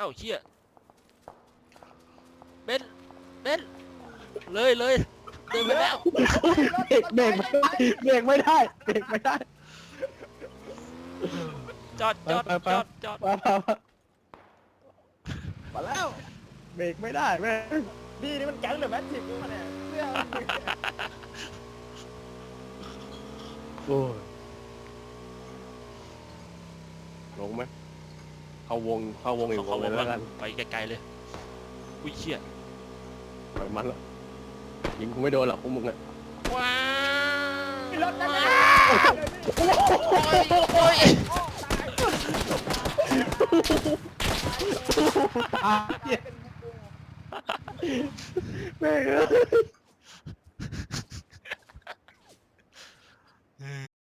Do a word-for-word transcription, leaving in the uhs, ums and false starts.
อ้าวเชี่ยเบนเบนเลยเลยเดินไปแล้วเบรกเบรกไม่ได้เบรกไม่ได้เบรกไม่ได้จอดจอดไปไปจอดจอดมามามามาแล้วเบรกไม่ได้แม่นี่นี่มันแก๊งหรือแมทริกซ์มาเนี่ยเสื้อโอ้ยลงไหมเข้าวงเข้าวงอีกวเขางบเลอย กแล้ว่าวกันไปไกลๆเลยอุ้ยเชี่ยปล่อยมันละยิงกูไม่โดนหรอกพวกมึงอะว้าวมีรถนั่นแหละโอ้ยโอ้ยตายแม่งเอ้ย